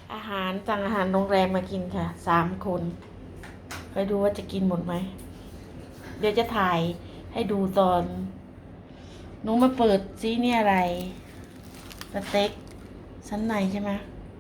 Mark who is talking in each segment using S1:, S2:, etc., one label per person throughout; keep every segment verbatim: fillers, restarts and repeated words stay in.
S1: อาหารสั่งอาหารโรงแรมมากินค่ะสามคนไปดูว่าจะกินหมดไหมเดี๋ยวจะถ่ายให้ดูตอนหนูมาเปิดซิเนี่ยอะไรสเต็กชั้นในใช่ไหม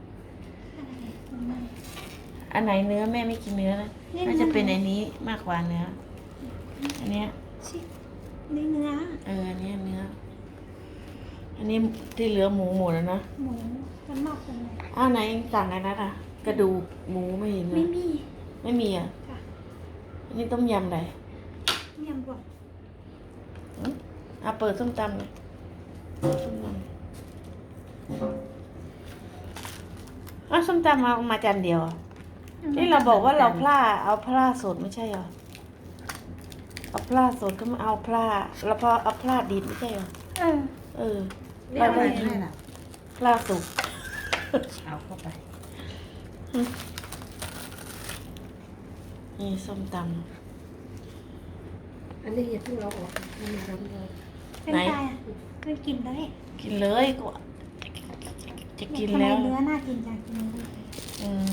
S1: อันไหนเนื้อแม่ไม่กินเนื้อนะน่าจะเป็นอันนี้มากกว่าเนื้ออันเนี้ย
S2: ชินี่เนื้อ
S1: เอออันนี้เนื้ออันนี้ที่เหลือหมูหมดแล้วนะ
S2: หมูมันนอกเป็นไง
S1: อ้าวไหนเองสั่งอะไรนะอ่ะกระดูกหมูไม่เห็นเล
S2: ไม่
S1: ย
S2: มี
S1: ไม่มีอ่ะ
S2: ค่ะ
S1: อันนี้ต้มยำอะไร
S2: เมี่ยงบด
S1: อืมอ่ะเปิดส้มตำเลยส้มตำอ้าวส้มตำเอามาจานเดียวอ่ะนี่เราบอกว่าเราพลาเอาพลาสดไม่ใช่เหรอเอาพลาสดก็มาเอาพลาแล้วพอเอาพลาดิบไม่ใช่เหรอ
S2: เออ
S1: เออ
S3: เรียกอะไรให้ล่ะ
S1: พลาสุก
S3: เอาเข้าไป
S1: นี่ส้มต
S3: อันนี้อย่าเพิ่งเอาออกให้มันร้อนเลย
S2: เป็นไงอ่ะไม่กินได้
S1: ำกินเลยก็จะกิน
S2: ทำไม
S1: แล้ว
S2: เนื้อน่ากินจังกินเนื้อ
S1: อืม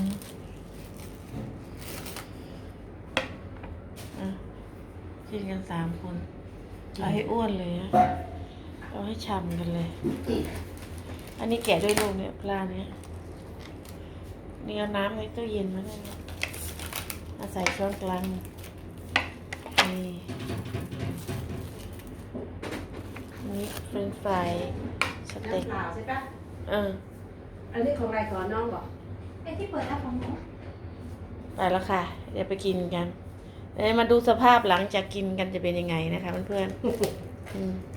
S1: อ่ะกินกันสามคนเอาให้อ้วนเลยนะเอาให้ฉ่ำกันเลย อันนี้แกะด้วยลูกเนี่ยปลาเนี่ยนี่เอาน้ำในตู้เย็นมาได้ไหมเอาใส่ช้อนกลางนี่นี่เฟรนช์ฟรายสเต็ก
S3: น้ำเปล่าใช่ปะ
S1: เออ
S3: อันนี้ของอะไรก่อนน้องบอก
S2: ไอ้ที่เปิดแล้วของหนู
S1: ไปแล้วค่ะ เดี๋ยวไปกินกันเดี๋ยวมาดูสภาพหลังจากกินกันจะเป็นยังไงนะคะเพื่อนๆอืม